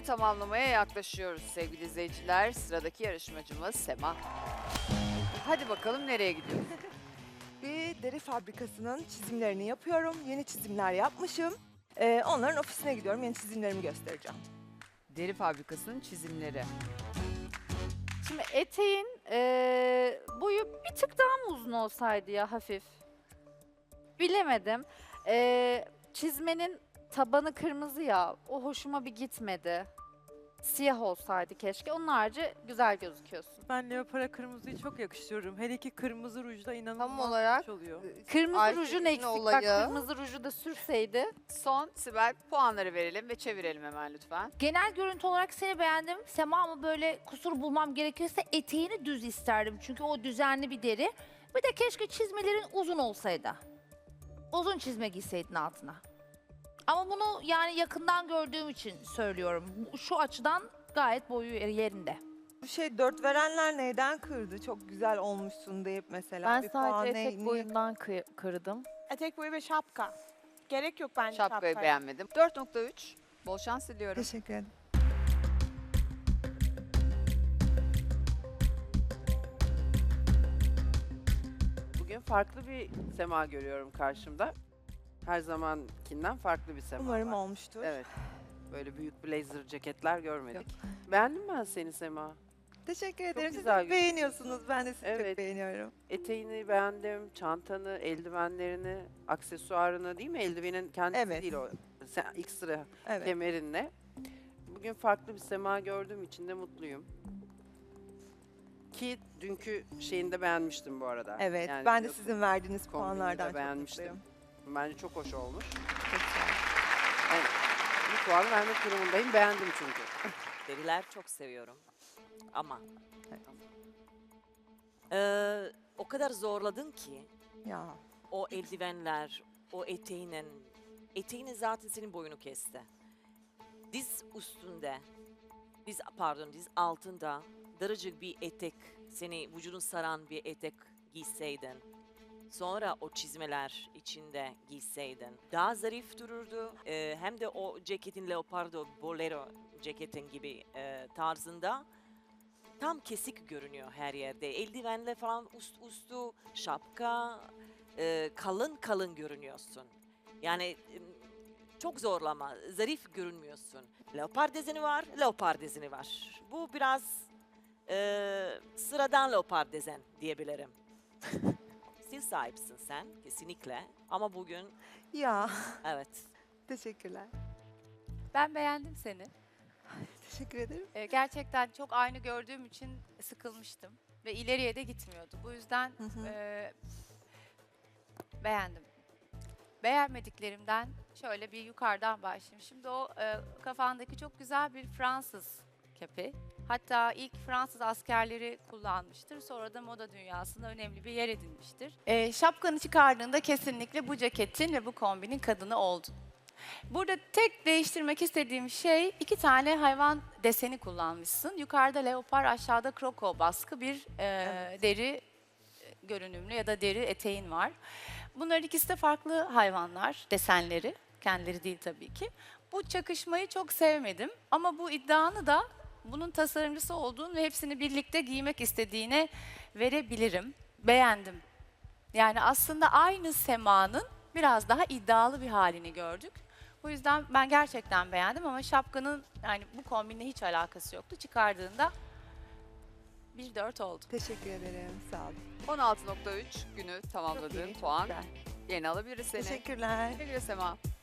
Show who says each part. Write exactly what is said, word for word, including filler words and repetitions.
Speaker 1: tamamlamaya yaklaşıyoruz sevgili izleyiciler. Sıradaki yarışmacımız Sema. Hadi bakalım nereye gidiyoruz?
Speaker 2: Bir deri fabrikasının çizimlerini yapıyorum. Yeni çizimler yapmışım. Ee, onların ofisine gidiyorum. Yeni çizimlerimi göstereceğim.
Speaker 1: Deri fabrikasının çizimleri.
Speaker 3: Şimdi eteğin eee, boyu bir tık daha mı uzun olsaydı ya hafif? Bilemedim. Eee, çizmenin tabanı kırmızı ya, o hoşuma bir gitmedi. Siyah olsaydı keşke. Onun harici güzel gözüküyorsun.
Speaker 4: Ben leopara kırmızıyı çok yakıştırıyorum. Hele ki kırmızı rujda inanılmaz
Speaker 1: Tam olarak
Speaker 4: hoş oluyor.
Speaker 3: Kırmızı
Speaker 1: Ayşegül'ün
Speaker 3: rujun eksik. Bak
Speaker 1: olayı.
Speaker 3: kırmızı ruju da sürseydi.
Speaker 1: Son Sibel puanları verelim ve çevirelim hemen lütfen.
Speaker 5: Genel görüntü olarak seni beğendim. Sema ama böyle kusur bulmam gerekirse eteğini düz isterdim. Çünkü o düzenli bir deri. Bir de keşke çizmelerin uzun olsaydı. Uzun çizme giyseydin altına. Ama bunu yani yakından gördüğüm için söylüyorum. Şu açıdan gayet boyu yerinde.
Speaker 2: Bu şey dört verenler neyden kırdı? Çok güzel olmuşsun deyip mesela
Speaker 6: Ben
Speaker 2: bir puan
Speaker 6: sadece
Speaker 2: ne-
Speaker 6: etek
Speaker 2: niye-
Speaker 6: boyundan kı- kırdım.
Speaker 7: Etek boyu ve şapka. Gerek yok bence
Speaker 1: Şapkayı
Speaker 7: şapkaya.
Speaker 1: beğenmedim. dört nokta üç. Bol şans diliyorum.
Speaker 2: Teşekkür ederim.
Speaker 8: Bugün farklı bir sema görüyorum karşımda. Her zamankinden farklı bir sema
Speaker 2: Umarım
Speaker 8: var.
Speaker 2: olmuştur.
Speaker 8: Evet. Böyle büyük blazer ceketler görmedik. Beğendim ben seni Sema.
Speaker 2: Teşekkür ederim. Siz
Speaker 8: güzel
Speaker 2: çok beğeniyorsunuz. Ben de sizi
Speaker 8: Evet.
Speaker 2: çok beğeniyorum.
Speaker 8: Eteğini beğendim, çantanı, eldivenlerini, aksesuarını değil mi? Eldivenin kendisi
Speaker 2: Evet.
Speaker 8: değil o. Sen ilk sıra
Speaker 2: Evet.
Speaker 8: kemerinle. Bugün farklı bir sema gördüğüm için de mutluyum. Ki dünkü şeyini de beğenmiştim bu arada.
Speaker 2: Evet.
Speaker 8: Yani
Speaker 2: ben de
Speaker 8: biliyorsun,
Speaker 2: sizin verdiğiniz
Speaker 8: kombinini de
Speaker 2: puanlardan çok
Speaker 8: beğenmiştim.
Speaker 2: mutluyum.
Speaker 8: Bence çok hoş olmuş.
Speaker 2: Çok sağ olun.
Speaker 8: Evet. Bir puan vermek durumundayım. Beğendim çünkü.
Speaker 9: Deriler çok seviyorum. Ama Eee, o kadar zorladın ki
Speaker 2: Ya.
Speaker 9: o eldivenler, o eteğinin, eteğinin zaten senin boyunu kesti. Diz üstünde, diz pardon diz altında daracık bir etek, seni vücudun saran bir etek giyseydin. Sonra o çizmeler içinde giyseydin. Daha zarif dururdu. Eee, hem de o ceketin leopardo, bolero ceketin gibi eee, tarzında tam kesik görünüyor her yerde. Eldivenle falan üst üstü şapka, eee, kalın kalın görünüyorsun. Yani em, çok zorlama, zarif görünmüyorsun. Leopar dezeni var, leopar dezeni var. Bu biraz eee, sıradan leopar dezen diyebilirim. Stil sahibisin sen kesinlikle ama bugün
Speaker 2: Ya.
Speaker 9: evet.
Speaker 2: Teşekkürler.
Speaker 10: Ben beğendim seni.
Speaker 2: Teşekkür ederim.
Speaker 10: Ee, gerçekten çok aynı gördüğüm için sıkılmıştım ve ileriye de gitmiyordu. Bu yüzden
Speaker 2: Hı hı.
Speaker 10: e, beğendim. Beğenmediklerimden şöyle bir yukarıdan başlayayım. Şimdi o e, kafandaki çok güzel bir Fransız kepi. Hatta ilk Fransız askerleri kullanmıştır. Sonra da moda dünyasında önemli bir yer edinmiştir. E, şapkanı çıkardığında kesinlikle bu ceketin ve bu kombinin kadını oldun. Burada tek değiştirmek istediğim şey iki tane hayvan deseni kullanmışsın. Yukarıda leopar, aşağıda kroko baskı bir e, deri görünümlü ya da deri eteğin var. Bunların ikisi de farklı hayvanlar, desenleri. Kendileri değil tabii ki. Bu çakışmayı çok sevmedim ama bu iddianı da bunun tasarımcısı olduğun ve hepsini birlikte giymek istediğine verebilirim. Beğendim. Yani aslında aynı semanın biraz daha iddialı bir halini gördük. O yüzden ben gerçekten beğendim ama şapkanın yani bu kombinle hiç alakası yoktu. Çıkardığında bir dört oldu.
Speaker 2: Teşekkür ederim. Sağ olun.
Speaker 1: on altı nokta üç günü tamamladığın
Speaker 2: iyi, çok
Speaker 1: puan.
Speaker 2: güzel.
Speaker 1: Yeni alabiliriz seni.
Speaker 2: Teşekkürler.
Speaker 1: Güle güle Sema.